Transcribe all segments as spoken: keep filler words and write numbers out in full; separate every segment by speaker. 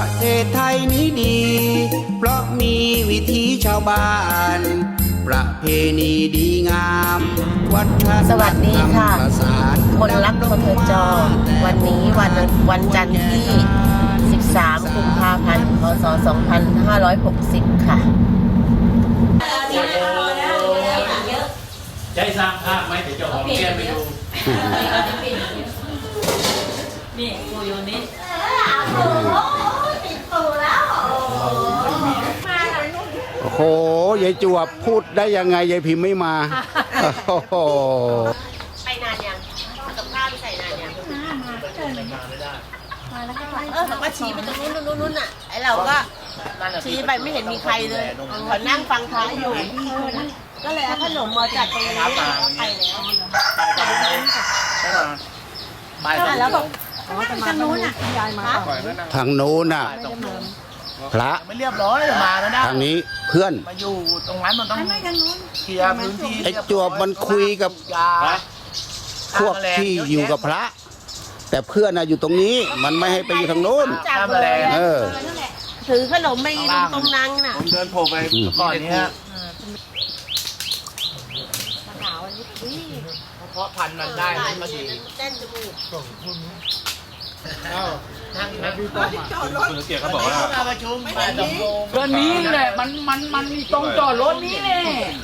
Speaker 1: เทศไทยนี้ดี เพราะมีวิถีชาวบ้าน ประเพณีดีงามวัฒนธรรม
Speaker 2: สวัสดีค่ะ
Speaker 1: ประสาน
Speaker 2: คนรักพทจวันนี้วันวันจันทร์ที่ สิบสาม กุมภาพันธ์ พศ สองพันห้าร้อยหกสิบ ค่ะ
Speaker 3: ใช้สร้างภาพไหมเดี๋ยวจะหอมแก้มไปดูนี่กูโยนิส
Speaker 1: โอ้โหยายจวบพูดได้ยังไงยายพิมพ์ไม่มาโอ้โห
Speaker 2: ไปนานยังกับข้าวใส่นานยังเออเขาก็ชี้ไปตรงนู้นนู้นนู้นอ่ะไอเราก็ชี้ไปไม่เห็นมีใครเลยเขานั่งฟังพระอยู่ก็เลยเอาขนมมาจัดตรงนี้แล้วก็ไปแล้วแล้วบอกทางนู้นอ่ะยายมา
Speaker 1: ทางโน้นน่ะพระ
Speaker 4: ไม่เรียบร้อยมาแล้วนะ
Speaker 1: ทางนี้เพื่อน
Speaker 4: มาอยู่ตรงนั้นมันต้องเคลียร์พื้นที่
Speaker 1: ไอ้จวบมันคุยกับพวกที่อยู่กับพระ แต่เพื่อนน่ะอยู่ตรงนี้มันไม่ให้ไปอยู่ทางโน้นเออ
Speaker 2: ถือขนมไปตรงนั้นน่ะ
Speaker 4: ผมเดินโผล่ไปก่อนนี้ฮะเพราะพันมันได้มันมาดี
Speaker 2: เต้นจมูก
Speaker 3: คุณเกียรติเขาบอกว่า
Speaker 4: มาประชุมมาดำรง
Speaker 3: ก็นี้แหละมันมันมันมีตรงจอดรถนี้แน่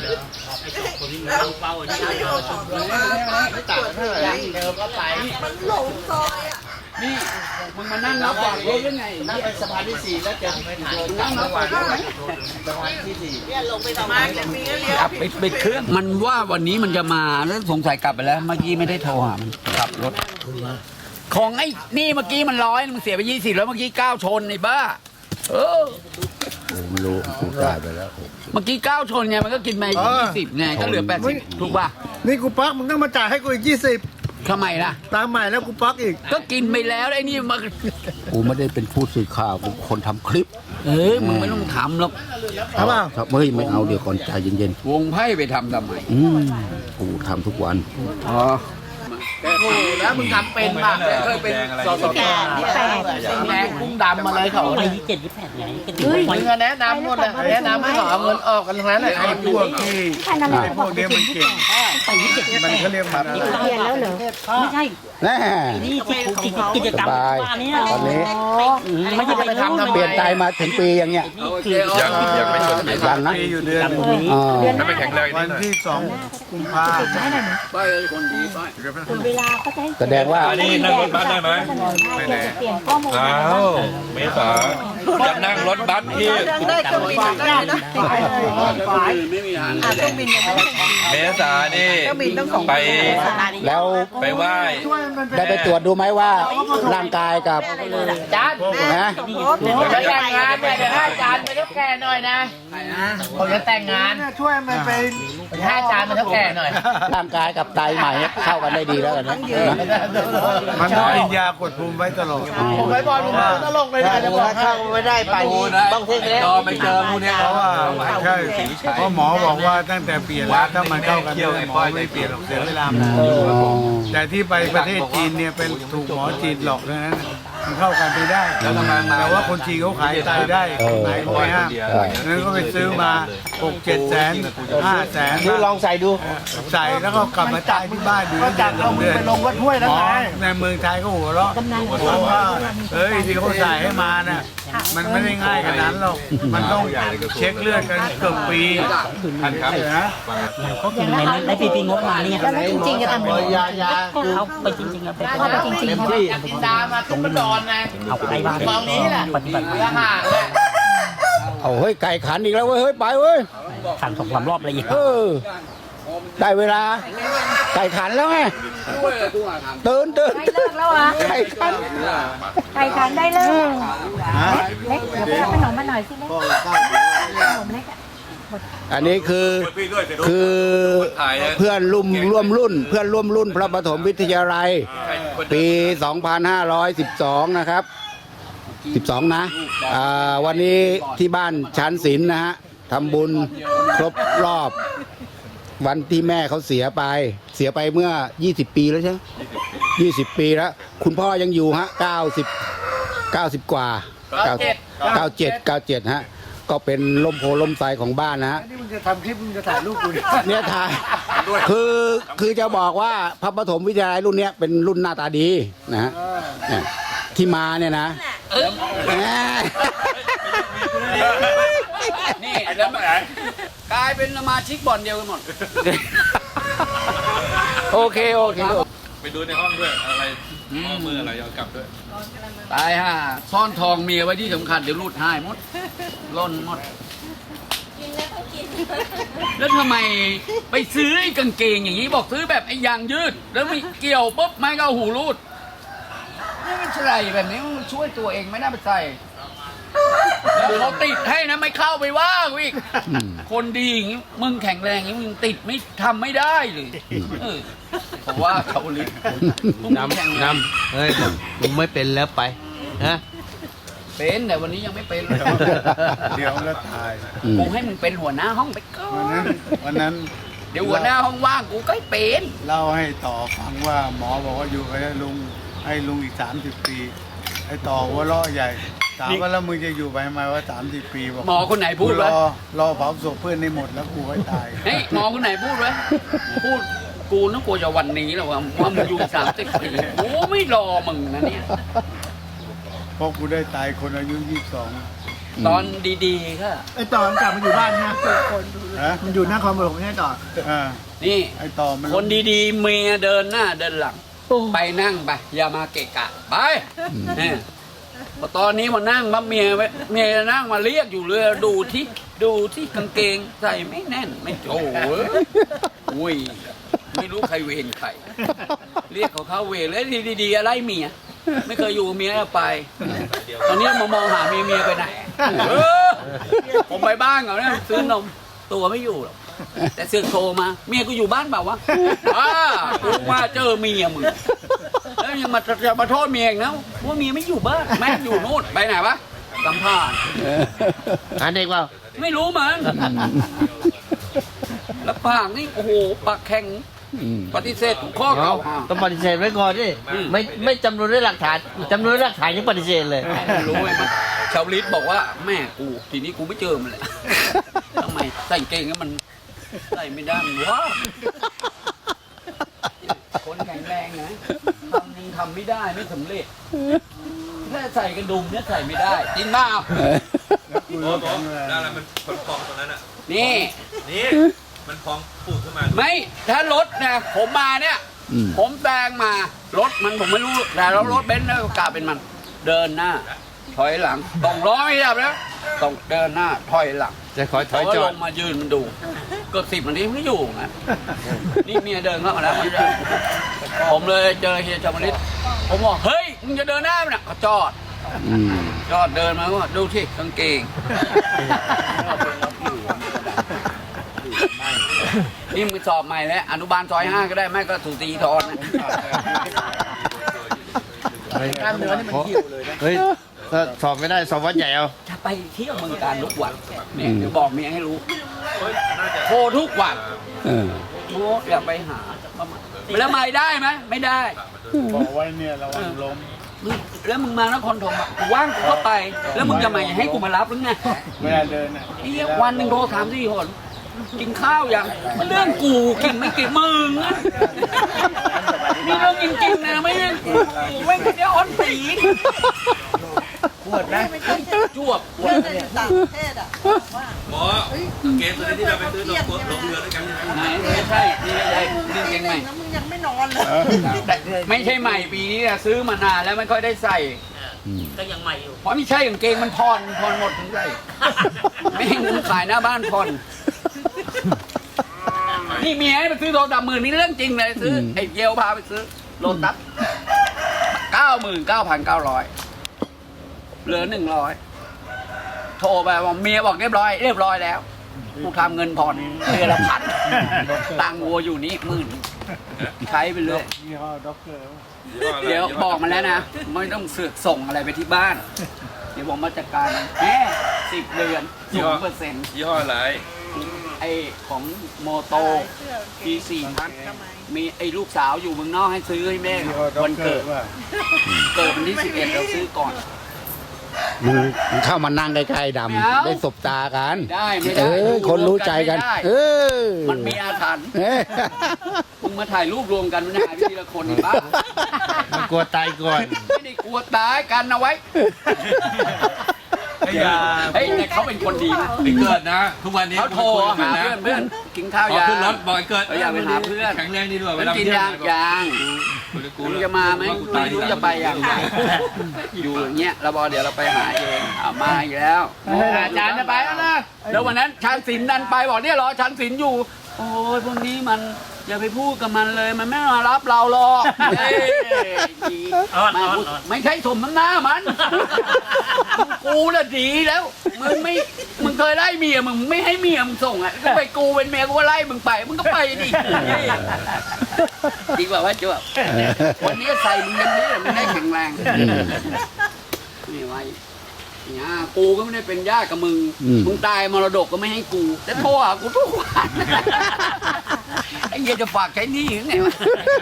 Speaker 4: เป้าที่มาประชุมไม่ต่างเท่าไหร่เดิมก็ไปมันหลงซอยอ่ะ
Speaker 3: นี่มึงมานั่งนับฝากรถยังไง
Speaker 4: นั่งไปสะพานที่สี่แล้วจะไม่ถ่ายนั่งนับฝากรถสะพานที่สี่
Speaker 2: เนี่ยลงไปประมาณจะมีเลี้ยว
Speaker 3: ขับไปไปเครื่องมันว่าวันนี้มันจะมาแล้วสงสัยกลับไปแล้วเมื่อกี้ไม่ได้โทรหามันขับรถของไอ้นี่เมื่อกี้มันร้อยมึงเสียไปยี่สิบแล้วเมื่อกี้เก้าชนไอ้บ้าเออ
Speaker 1: ผมไม่รู้กูจ่ายไปแล้ว
Speaker 3: เมื่อกี้เก้าชนไงมันก็กินไปยี่สิบไงก็เหลือแปดสิบถูกป่ะ
Speaker 5: นี่กูปักมึงต้องมาจ่ายให้กูอีกยี่สิบ
Speaker 3: ทำไมล่ะ
Speaker 5: ตามใหม่แล้วกูปักอีก
Speaker 3: ก็กินไปแล้วไอ้นี่มา
Speaker 1: กูไม่ได้เป็นผู้สื่อข่าวกูคนทำคลิป
Speaker 3: เออมึงไม่ต้องทำหรอก
Speaker 5: เอาเปล่า
Speaker 1: ครับเฮ้ยไม่เอาเดี๋ยวก่อนใจเย็น
Speaker 3: วงไพ่ไปทำทำไม
Speaker 1: ๆอืมกูทำทุกวัน
Speaker 3: อ๋อ
Speaker 4: แล้วมึงทำเป็นป่ะ
Speaker 3: เคยเป็นสส
Speaker 2: แปดที่แปด
Speaker 4: แดงกุ้งดำมาเลยเขา
Speaker 6: ไปยี่สิบเจ็ดยี่สิบแปดไงก็ดี
Speaker 4: มึงแนะนำหมดเลยแนะนำให้เขาเอาเงินออกกันทั้งนั้นเลย
Speaker 5: ไอ้พวกที่ไอ้พวกเนี้ยมันเก่ง
Speaker 6: ไปยี่สิบเจ็ดยี่สิบ
Speaker 5: มัน
Speaker 6: แปด
Speaker 5: เขาเรียกมันอะไร
Speaker 6: เปลี่ยนแล้วเหรอไม่ใช่
Speaker 1: แน่
Speaker 6: นี่ที่กิจกิจกรรม
Speaker 1: สบาย
Speaker 6: ว่านี้
Speaker 1: ตอนนี้
Speaker 6: ไม่ใช่ไปทำทำ
Speaker 1: เปลี่ยนใจมาถึงปีอย่างเงี้ย
Speaker 3: ยังยังไม่จบ
Speaker 1: ยังนะ
Speaker 5: ปีอยู่เดือน
Speaker 6: ตรงนี้
Speaker 1: อ๋อ
Speaker 3: ถ้าไม่แข็งแรง
Speaker 5: วันที่สองกุมภา
Speaker 3: ไปคนดีไป
Speaker 6: เวลาก็จะให้
Speaker 1: แสดงว่า
Speaker 7: อันนี้นั่งรถบัสได้ไหม
Speaker 6: ไม่ได้เปลี่ยนข้อมูล
Speaker 7: อ้าวเมษาจะนั่งรถบัสที่
Speaker 2: ได้เครื่องบินได้นะ
Speaker 3: ไม่มีทาง
Speaker 2: เครื่องบินยังไม่ได้
Speaker 7: เมษานี่ไป
Speaker 1: แล้ว
Speaker 7: ไปไหว้
Speaker 1: ได้ไปตรวจดูไหมว่าร่างกายกับ
Speaker 4: จาน
Speaker 1: นะ
Speaker 4: จะแต่งงานเนี่ยเดี๋ยวให้อาจารย์ไปเท่าแก่หน่อยนะผมจะแต่งงาน
Speaker 5: ช่วยมันไป
Speaker 4: ให้อาจารย์ไปเท่าแก่หน่อย
Speaker 1: ร่างกายกับไตใหม่เข้ากันได้ดีแล้วกันนะ
Speaker 5: มันต้องกินยากดภูมิไว้ตลอด
Speaker 4: ผมไปบอลผมตลกเลยนะจะบอกให้
Speaker 2: ไม่ได้ไปต้องเท่แล้ว
Speaker 3: จอไปเจอมูเนี่ย
Speaker 5: เพราะว่าใช่เพราะหมอบอกว่าตั้งแต่เปลี่ยนแล้วถ้ามันเข้ากันไม่หมอไม่เปลี่ยนหรอกเสียเวลาแต่ที่ไปประเทศจีนเนี่ยเป็นถูกหมอจีนหลอกเท่านั้นมันเข้ากันไม่ได้แต่ว่าคนจีนเขาขายไตได้ขายเขาไม่ห้ามนั้นก็ไปซื้อมาหกเจ็ดแสนห้าแสน
Speaker 4: ดูลองใส่ดู
Speaker 5: ใส่แล้วก็กลับมาจ่ายที่บ้านดูก็จัดเอามือไปลงวัดห้วยแล้วไงในเมืองไทยก็หัวเราะบอกว่าเฮ้ยที่เขาใส่ให้มาน่ะมันไม่ได้ง่ายขนาดนั้นหรอกมันต้องเช็คเลือดกันเกือบปีทันครับนะ
Speaker 6: ก็คือในในปีปีงบมาเนี่ย
Speaker 2: แล้วจริงๆจะทำ
Speaker 4: ยายา
Speaker 6: เอาไปจริงๆเอาไป
Speaker 2: เข้าไปจริงๆ
Speaker 4: อยากกินดามาตุ้มดอนนะ
Speaker 6: เอาไปบ้าน
Speaker 4: มองนี้แหละ
Speaker 6: ปฏิบัติ
Speaker 4: ละห่างเลย
Speaker 1: เอาเฮ้ยไก่ขันอีกแล้วเว้ยเฮ้ยไปเว้ย
Speaker 6: ขันสองสามรอบเลยอีก
Speaker 1: เออได้เวลาไก่ขันแล้วไงตื่นตื่น
Speaker 8: เลิกแล้วอ่ะ
Speaker 1: ไก่ขัน
Speaker 8: ไก่ขันได้เลิกเล็กเดี๋ยวไปรับขนมมาหน่อยสิเล็กขนมเล็กอ่ะ
Speaker 1: อันนี้คือคือเพื่อนร่วมร่วมรุ่น เพื่อนร่วมรุ่นพระปฐมวิทยาลัยปี สองพันห้าร้อยสิบสอง นะครับสิบสองนะอ่าวันนี้ที่บ้านชั้นศิลป์นะฮะทำบุญครบรอบวันที่แม่เขาเสียไปเสียไปเมื่อยี่สิบปีแล้วใช่ไหมยี่สิบปีแล้วคุณพ่อยังอยู่ฮะเก้าสิบ เก้าสิบกว่า
Speaker 3: เก้าเจ็ด
Speaker 1: เก้าเจ็ดเก้าเจ็ดฮะก็เป็นล่มโพล่มไทรของบ้านนะฮะ
Speaker 5: นี่มึงจะทำคลิปมึงจะถ่ายรูปกูเนี่ย
Speaker 1: เนี่ยถ่ายคือคือจะบอกว่าพระปฐมวิทยาลัยรุ่นเนี้ยเป็นรุ่นหน้าตาดีนะฮะเนี่ยที่มาเนี่ยนะแหม
Speaker 3: นี่แล้วมันกลายเป็นสมาชิกบ่อนเดียวกันหมด โอเคโอเค
Speaker 7: ไปดูในห้องด้วยอะไรข้อมืออะไรเอากลับด้วย
Speaker 3: ตายห่าซ่อนทองเมียไว้ที่สำคัญเดี๋ยวรูดหายหมดล่นหมด
Speaker 2: กินแล้วต้องกิน
Speaker 3: แล้วทำไมไปซื้อไอ้กางเกงอย่างนี้บอกซื้อแบบไอ้ยางยืด แล้วมีเกี่ยวปุ๊บไม่ก็เอาหูรูดนี่มันใส่แบบนี้มันช่วยตัวเองไม่น่าไปใส่แล้วเขาติดให้นะไม่เข้าไปว่ากูอีกคนดีอย่างนี้มึงแข็งแรงอย่างนี้มึงติดไม่ทำไม่ได้เลยเออเพราะว่าเขาลิน้ำน้ำ
Speaker 9: เฮ้ยมึงไม่เป็นแล้วไปฮะ
Speaker 3: เป็นแต่วันนี้ยังไม่เป็นเลย
Speaker 5: เดี๋ยวแล้วถ่าย
Speaker 3: กูให้มึงเป็นหัวหน้าห้องไปก่อ
Speaker 5: วันนั้น
Speaker 3: น
Speaker 5: วันนั้น
Speaker 3: เดี๋ยวหัวหน้าห้องว่างกูก็ให้เป็น
Speaker 5: เล่าให้ต่อฟังว่าหมอบอกว่าอยู่กับลุงให้ลุงอีกสามสิบปีไอ้ต่อหัวเราะใหญ่ถามว่าแล้วมึงจะอยู่ไปทำไมว่าสามสิบปีบอก
Speaker 3: หมอคนไหนพูด
Speaker 5: ร
Speaker 3: วะ
Speaker 5: อรอเผาศพเพื่อนในหมดแล้วกูให้ตาย
Speaker 3: เฮ้ยหมอคนไหนพูดวะพูดกูนึกกูจะวันนี้แล้วว่าว่ามึงอยู่สามสิบปีกูไม่รอมึงนะเนี่ย
Speaker 5: เพราะกูได้ตายคนอายุยี่สิบสอง
Speaker 3: ตอนดีๆก็
Speaker 4: ไอ้ต่อมันกลับมาอยู่บ้านนะ
Speaker 5: ฮะ
Speaker 4: มันอยู่หน้าคอมผมไม่ใช่ต่อ
Speaker 5: อ่า
Speaker 3: นี่
Speaker 5: ไอ้ต่อมัน
Speaker 3: คนดีๆเมียเดินหน้าเดินหลัง ไปนั่งไปอย่ามาเกะกะไปเนี่ยพอตอนนี้มานั่งมาเมียไว้เมียนั่งมาเรียกอยู่เลยดูที่ดูที่กางเกงใส่ไม่แน่นไม่โจ้อุ้ยไม่รู้ใครเวรใครเรียกเขาเข้าเวรเลยดีๆอะไรเมียไม่เคยอยู่กับเมียไป ตอนนี้มามองหาเมียเมียไปไหนเออผมไปบ้านเขาเนี่ยซื้อนมตัวไม่อยู่หรอกแต่เสือกโทรมาเมียกูอยู่บ้านเปล่าวะอ้ากูมาเจอเมียมึงแล้วยังมาจะมาโทษเมียอีกนะว่าเมียไม่อยู่บ้านแม่อยู่นู่นไปไหนวะสัมภาษณ์
Speaker 9: หาเด็กเปล่า
Speaker 3: ไม่รู้มั้งแล้วปากนี่โอ้โหปากแข็งปฏิเสธทุกข้อ
Speaker 9: เอา
Speaker 3: เก่าหา
Speaker 9: ต้องปฏิเสธไว้ก่อนดิ
Speaker 3: อืม
Speaker 9: ไม่ไม่จำนวนด้วยหลักฐานจำนวนด้วยหลักฐานยังปฏิเสธเลย
Speaker 3: รู้ไหมมันชาวลิศบอกว่าแม่กูทีนี้กูไม่เจอมันเลยทำไมใส่เกงแล้วมันใส่ไม่ได้มันวะคนแข็งแรงนะทำยังทำไม่ได้ไม่สำเร็จถ้าใส่กระดุมเนี่ยใส่ไม่ได้จริงเปล่า
Speaker 5: กู
Speaker 7: โอ้
Speaker 5: รู้
Speaker 7: โห
Speaker 5: ของเลย
Speaker 7: นั่นแหละมันพองๆตรงนั้นอ่ะ
Speaker 3: นี่
Speaker 7: นี่มันพองปูดขึ้นมา
Speaker 3: ไม่ถ้ารถนะผมมาเนี่ย
Speaker 1: อืม
Speaker 3: ผมแซงมารถมันผมไม่รู้แต่แล้วรถเบนซ์เนี่ยกลายเป็นมัน เดินหน้า ถอยหลังต้องร้อยไม่ดับแล้วต้องเดินหน้าถอยหลัง
Speaker 9: จะขอถอย
Speaker 3: เขา
Speaker 9: จ
Speaker 3: ล
Speaker 9: อด
Speaker 3: งมายืนมันดูเกือบสิบนาทีไม่อยู่นะนี่เมียเดินเข้ามาแล้วผมเลยเจอเฮียจามาริสผมบอกเฮ้ยมึงจะเดินหน้ามันนะเขาจอด
Speaker 1: อืม
Speaker 3: จอดเดินมาว่าดูที่กางเกงนี่มึงสอบใหม่แล้วอนุบาลซอยห้าก็ได้ไม่ก็ถูกตีทอนนะ
Speaker 4: กล้ามเนื้อนี่มันหิวเลยนะ
Speaker 9: เฮ้ยถ้าสอบไม่ได้สอบวัดใหญ่เอา
Speaker 3: จะไปเที่ยวเมืองการทุกวันเนี่ยเดี๋ยวบอกเมียให้รู้โทรทุกวัน
Speaker 1: เออ
Speaker 3: โอ้อย่าไปหาแล้วไม่ได้ไหมไม่ได้
Speaker 5: บอกไว้เนี่ยระวังล้ม
Speaker 3: มึงแล้วมึงมานครธมอ่ะกูว่างกูก็ไป แล้วมึงจะมาให้กูมารับหรือไง
Speaker 5: เวลาเดินอ่ะ
Speaker 3: ไอ้เหี้ยวันหนึ่งโทรสามสี่คนกินข้าวยังมันเรื่องกูกินไม่กินมึงอะนี่เรื่องจริงๆนะไม่ใช่กูไม่ใช่อ้อนสีปวดนะจวบปวด
Speaker 4: ต่างประเทศอ่ะ
Speaker 7: หมอเกณฑ์ตัวนี้ที่เราไปซื้อลงลงเรือด้วยกันใช่ไหม
Speaker 3: ไหนไม่ใช่นี่ไม่ใช่นี่เกงใหม่
Speaker 4: แล้วมึงยังไม่นอนเลย
Speaker 3: แต่ไม่ใช่ใหม่ปีนี้อะซื้อมานานแล้วไม่ค่อยได้ใส่
Speaker 6: ก็ยังใหม่อยู่
Speaker 3: เพราะไม่ใช่กางเกงมันพรพรหมดถึงใส่ไม่ให้มึงขายหน้าบ้านพรนี่เมียให้ไปซื้อโทรศัพท์หมื่นนี่เรื่องจริงเลยซื้อไอ้เยลพาไปซื้อโลตัสเก้าหมื่นเก้าพันเก้าร้อยเหลือหนึ่งร้อยโทรไปบอกเมียบอกเรียบร้อยเรียบร้อยแล้วกูทำเงินผ่อนเดือนละพันตังค์วัวอยู่นี่หมื่นใช้ไปเลย
Speaker 5: ยี่ห้อด็อกเตอร์
Speaker 3: เดี๋ยวบอกมาแล้วนะ ไม่ต้องเสือกส่งอะไรไปที่บ้าน เดี๋ยวผมมาจัดการแค่สิบเดือนศูนย์เปอร์เซ็นต์
Speaker 7: ยี่ห้ออะไร
Speaker 3: ไอของโมโตปีสี่พันมีไอลูกสาวอยู่เมืองนอกให้ซื้อให้แม่
Speaker 5: ยี่ห้อด็อก
Speaker 3: วัน
Speaker 5: เตอ
Speaker 3: เกิด
Speaker 5: ร์ว่า
Speaker 3: เกิดวันที่สิบเอ็ดเราซื้อก่อน
Speaker 1: มึงมึงเข้ามานั่งใกล้ๆด
Speaker 3: ไม่เอา
Speaker 1: ำได้สบตากัน
Speaker 3: ได้ไม่
Speaker 1: เอ
Speaker 3: ได้
Speaker 1: อคนรู้ใจกัน
Speaker 3: ไม่ได้
Speaker 1: เออ
Speaker 3: มันมีอาถรรพ์
Speaker 1: เอ้ย
Speaker 3: มึงมาถ่ายรูปรวมกันมันหายไปทีละคนอีกบ้า
Speaker 9: มันกลัวตายก่อน
Speaker 3: ไม่ได้กลัวตายกันเอาไว้
Speaker 5: ไอ้ยา
Speaker 3: เฮ้ยแต่เขาเป็นคนดีนะ
Speaker 7: ไอ้เกิดนะ ทุกวันนี้
Speaker 3: เขาโทรหาเพื่อนเพื่อนกินข้าว
Speaker 7: พอย
Speaker 3: า
Speaker 7: ขึ้นรถบอกไอ้เกิด
Speaker 3: เขาอยากไปหาเพื่อน
Speaker 7: แข็งแรงดีด้วย
Speaker 3: มันกินยางยางมึงจะมาไหมไม่รู้จะไปยังไงอยู่อย่างเงี้ยเราบอกเดี๋ยวเราไปหาเองเอามาอีกแล้วอาจารย์จะไปแล้วนะแล้ววันนั้นชันศิลป์ดันไปบอกเนี่ยรอชันศิลป์อยู่ โอ้ยพวกนี้มันอย่าไปพูดกับมันเลยมันไม่มารับเราหรอกเอ้ยไม่พูดไม่ใช่สมน้ำหน้ามันกูน่ะดีแล้วมึงไม่มึงเคยไล่เมียมึงไม่ให้เมียมึงส่งอ่ะก็ไปกูเป็นเมียกูก็ไล่มึงไปมึงก็ไปดิดีกว่าว่าจะแบบวันนี้ใส่มึงอย่างนี้มึงได้แข็งแรงนี่ไว้เนี่ยกูก็ไม่ได้เป็นญาติกับมึงมึงตายมรดกก็ไม่ให้กูแต่โทรหากูทุกวันไอ้เหี้ยจะฝากใช้หนี้ยังไงวะ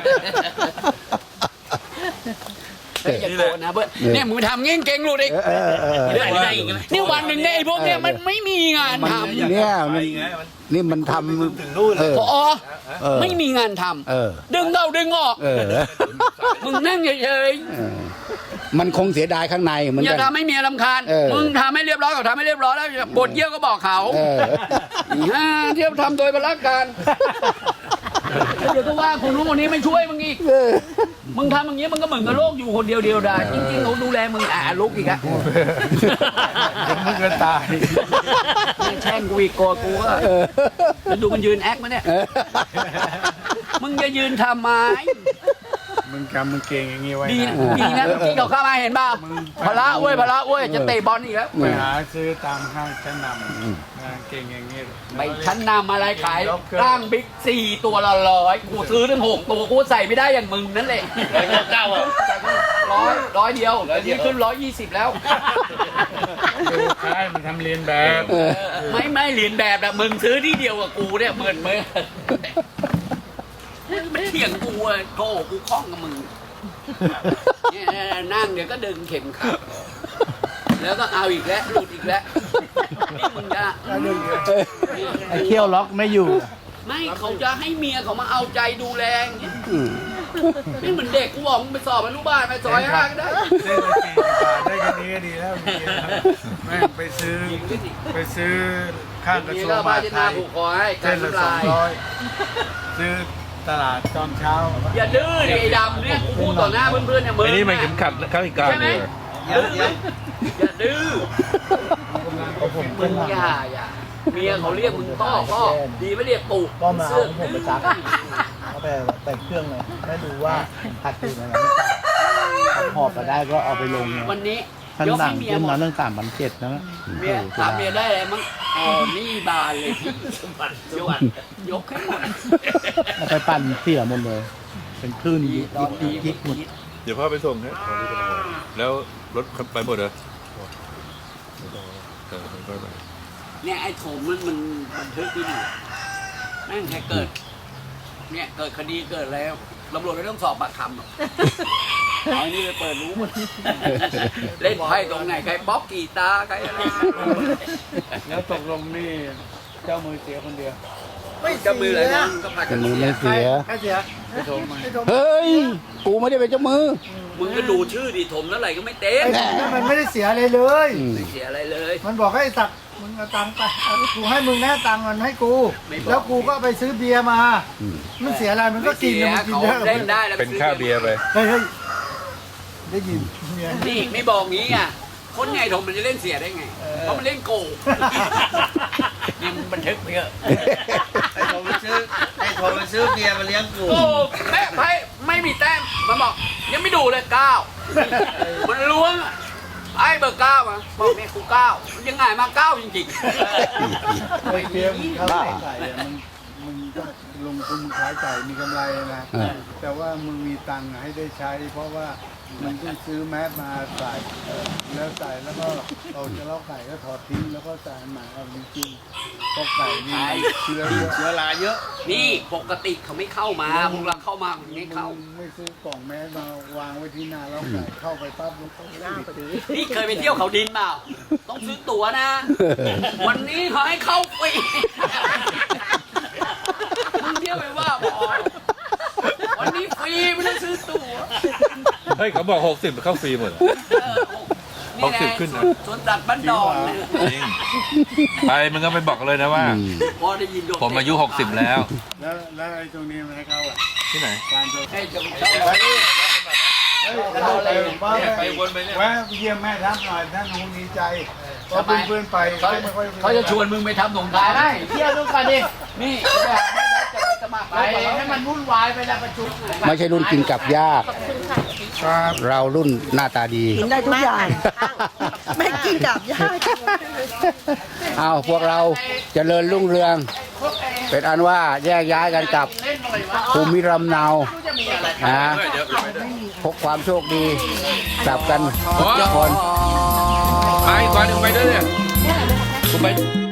Speaker 3: เฮ้ยอย่าโกรธนะเพื่อนเนี่ยมึงทำงี้เก่งรู้ดิ
Speaker 1: เออเออเออ
Speaker 3: เรื่องอะไรอีกไหมนี่วันหนึ่งเนี่ยไอ้พวกเนี่ยมันไม่มีงาน
Speaker 1: มัน
Speaker 3: ทำ
Speaker 1: เนี่ยมันนี่มันทำเออ
Speaker 3: พอ
Speaker 1: เออ
Speaker 3: ไม่มีงานท
Speaker 1: เออ
Speaker 3: ำดึงเข้าดึงออก
Speaker 1: เออ
Speaker 3: มึงนั่งเฉย
Speaker 1: เออมันคงเสียดายข้างในเหมือ
Speaker 3: ๆ
Speaker 1: น
Speaker 3: อย่า
Speaker 1: กัน
Speaker 3: ทำให้เมียรำคาญ
Speaker 1: เออ
Speaker 3: มึงทำให้เรียบร้อยก็ทำให้เรียบร้อยแล้วบทเยี่ยวก็บอกเขา
Speaker 1: เออ
Speaker 3: ฮ่าเที่ยวทำโดยประการเดี๋ยวก็ว่าคนนู้นคนนี้ไม่ช่วยมึงอีก
Speaker 1: เออ
Speaker 3: มึงทำอย่างนี้มึงก็เหมือนกับโลกอยู่คนเดียวเดียวดายจริงๆเขาดูแลมึงอ่ะลุกอีกอะ
Speaker 5: มึงก็ตาย
Speaker 3: ไม่แช่งกูอีกโกรธกูก็แล้วดูมันยืนแอคมาเนี่ย มึงจะยืนทำไม
Speaker 5: มึงจำมึงเก่งอย่างงี้ไว้
Speaker 3: ดี
Speaker 5: นะ
Speaker 3: นะดีนะที่เขาเข้ามาเห็นเปล่าพละเว้ยพละเว้ยจะเตะบอลอีกแล้ว
Speaker 5: ไปหาซื้อตามห้างชั้นนำงานเก่งอย่างงี้
Speaker 3: ไปชั้นนำอะไรขายร่างบิ๊กสี่ตัวละร้อยกูซื้อถึงหกตัวกูใส่ไม่ได้อย่างมึงนั่นแหละ
Speaker 9: เก้าอ่ะ
Speaker 3: ร้อยร้อยเดียวเดี๋ยวนี้ขึ้นร้อยยี่สิบแล้ว
Speaker 5: ดูคล้ายมันทำเรียนแบบ
Speaker 3: ไม่ไม่เหรียญแบบอะมึงซื้อที่เดียวกับกูเนี่ยเหมือนเมื่อมันเถียงกูอะโธ่กูคล้องกับมึงเนี่ยนั่งเดี๋ยวก็ดึงเข็มขัดแล้วก็เอาอีกแล้วหลุดอีกแล้วนี่มึงจะ
Speaker 9: ไอ้เขี้ยวล็อกไม่อยู่
Speaker 3: ไม่เขาจะให้เมียเขามาเอาใจดูแลอย่างเงี้ยนี่เหมือนเด็กกูบอกมึงไปสอบอนุบาลไปซอยห้าก็ได้
Speaker 5: ได้มาสี่สิบบาทได้แค่นี้ก็ดีแล้วแม่งไปซื้อไปซื้อข้างกระ
Speaker 3: มี
Speaker 5: ทรวง
Speaker 3: ก็
Speaker 5: ม
Speaker 3: พา
Speaker 5: หาด
Speaker 3: จิ
Speaker 5: ไท
Speaker 3: นาย ผูกคอให้กา
Speaker 5: เส้
Speaker 3: ร
Speaker 5: นละ
Speaker 3: น้ำ
Speaker 5: สอ
Speaker 3: ลาง ย
Speaker 5: ร้อยซื้อตลาดตอนเช้า
Speaker 3: อย่าดื้อดิไอ้ดำเนี่ยกูพูดต่อหน้าเพื่อนๆเนี่ยมึง
Speaker 7: ไอ้นี่มันเข็มขัดเข้าอีกการ
Speaker 3: ใช่ไหม
Speaker 7: เลย
Speaker 3: ดื้อไหมอย่าดื้อมึงอย่าอย่าเมียเขาเรียกมึงพ่อพ่อดีไม่เรียกปู่
Speaker 10: ก็มา
Speaker 3: เสื้
Speaker 10: เอา
Speaker 3: อ
Speaker 10: ผมไปซักเอาไปแต่เครื่องเลยไม่รู้ว่าผัดอยู่ในนั้นหอบมาได้ก็เอาไปลง
Speaker 3: วันนี้
Speaker 10: ชั้น
Speaker 3: ยก
Speaker 10: หนั
Speaker 3: ให้
Speaker 10: ง
Speaker 3: เมีย
Speaker 10: ขึ้น
Speaker 3: หม
Speaker 10: มา
Speaker 3: ด
Speaker 10: เรื่องสามพันเจ็ดนะ
Speaker 3: เมียถามเมียได้อะไรมั้งอ๋อนี่บานเลยพี่สมบัติสมบัติยกให้หมด
Speaker 10: เอาไปปั่นเสียหมดเลย เป็นคลื่นยิกยิกยิกหมด
Speaker 7: เดี๋ยวพ่อไปส่งนะแล้วรถไปหมดเหรอเออไปไป
Speaker 3: เนี่ยไอ้โถมมันมันบันทึกที่นี่แม่งแค่เกิด เนี่ยเกิดคดีเกิดแล้วตำรวจไม่ต้องสอบปากคำหรอกเอาไอ้นี่ไปเปิดรู้หมดเล่นไพ่ตรงไหนใครป๊อปกีตาร์ใครอะไร
Speaker 5: แล้วตกลงนี่เจ้ามือเสียคนเดียว
Speaker 3: ไม่จะมืออะไรนะก็พา
Speaker 1: เจ้า
Speaker 3: กัน
Speaker 1: มือไม่เสีย
Speaker 10: ใครเสีย
Speaker 5: ไปโทรมา
Speaker 1: เฮ้ย กูไม่ได้เป็นเจ้ามือ
Speaker 3: มึงก็ดูชื่อดิถมเท่าไหร่ก็ไม่เต็ม
Speaker 10: ไอ้ผมมันไม่ได้เสียอะไรเลย
Speaker 1: อืม
Speaker 3: ไม่เสียอะไรเลย
Speaker 10: มันบอกให้สักมึงเอาตังค์ไปเอากูให้มึงแน่ตังค์มันให้กู
Speaker 3: ไม่บอก
Speaker 10: แล้วกูก็ไปซื้อเบียร์มา มันเสียอะไรมันก็
Speaker 3: ไม่
Speaker 10: กิน
Speaker 3: เสีย
Speaker 10: นะมันกิน
Speaker 3: เขา
Speaker 10: เยอะ
Speaker 3: เล่นได้แล้ว
Speaker 7: เป็นค่าเบียร์ไป
Speaker 10: เฮ้ยเฮ้ยได้ยินเมีย
Speaker 3: นี่ไม่บอกงี้อ่ะคนใหญ่ถมมันจะเล่นเสียได้ไงเพราะมันเล่นโกงนี่มันบันทึกไปเถอะ
Speaker 9: ไอ้โทรไปซื้อไอ้โทรไปซื้อเบียร์มาเลี้ยงกู
Speaker 3: โอ้แม่ไพ่ไม่มีแต้มมันบอกยังไม่ดูเลยเก้ามันล้วงอะไอ้เบอร์เก้ามาบอกเนี่ยกูเก้ามันยังไงมาเก้าจริงๆ
Speaker 10: ไอ้เบียร์มึงเข้า
Speaker 1: บ้า
Speaker 10: ใส่อะมัน
Speaker 5: มึงต้องลงทุนมึงขายไก่มีกำไรนะ
Speaker 1: เออ
Speaker 5: แต่ว่ามึงมีตังค์ให้ได้ใช้ เพราะว่ามันต้องซื้อแมสมาใส่แล้วใส่แล้วก็เราจะเล่าไก่ก็ถอดทิ้งแล้วก็ใส่ใหม่เอาจริงๆเพราะไก่นี่เชื้อเยอะ
Speaker 9: เชื้อราเยอะ
Speaker 3: นี่ปกติเขาไม่เข้ามาพวกเราเข้ามามันไม่เข้า
Speaker 5: ไม่ซื้อกล่องแมสมาวางไว้ที่หน้าแล้วไก่เข้าไปปั๊บมันต้องหน้าพอดี
Speaker 3: นี่เคยไปเที่ยวเขาดินเปล่าต้องซื้อตั๋วนะ วันนี้เขาให้เข้าฟรีมึงเที่ยวไปว่าบอวันนี้ฟรีไม่ต้องซื้อตั๋ว
Speaker 7: เฮ้ยเขาบอกหกสิบเข้าฟรีหมด
Speaker 3: นี่ไง
Speaker 7: หกสิบขึ้นนะ
Speaker 3: สวนสัตว์บ้านดอนเนี่ย
Speaker 7: จริงไปมึงก็ไปบอกเลยนะว่า
Speaker 3: พอได้ยินโดน
Speaker 7: ผมอายุหกสิบแล้ว
Speaker 5: แล้วแล้วไอ้ตรงนี้มันให้เข้าอ่ะ
Speaker 7: ที่ไหน
Speaker 5: การโดน
Speaker 3: ให้จงเจ้า
Speaker 5: เฮ้ยเราไปว่าไปวนไปเนี่ยแวะเยี่ยมแม่ทัพหน่อยท่านคงดีใจเพราะเพื่อนๆไป
Speaker 3: เขา
Speaker 5: ไม่ค่อย
Speaker 3: เขาจะชวนมึงไปทำสงคราม
Speaker 10: ได้เที่ยวดูกันดิ
Speaker 3: นี่จะไปหาแม่รัฐจะไปสมัคร
Speaker 10: ไปให้มันวุ่นวายไปแล้วประชุม
Speaker 1: ไม่ใช่รุ่นกินกับยาก เรารุ่นหน้าตาดี
Speaker 4: กินได้ทุกอย่างไม่กินกับยาก
Speaker 1: เอาพวกเราเจริญรุ่งเรือง เป็นอันว่าแยกย้ายกันกลับภูมิลำเนานะพกความโชคดีกลับกันทุกคน
Speaker 7: ไปอีกวันหนึ่งไปด้วยเนี่ยกูไป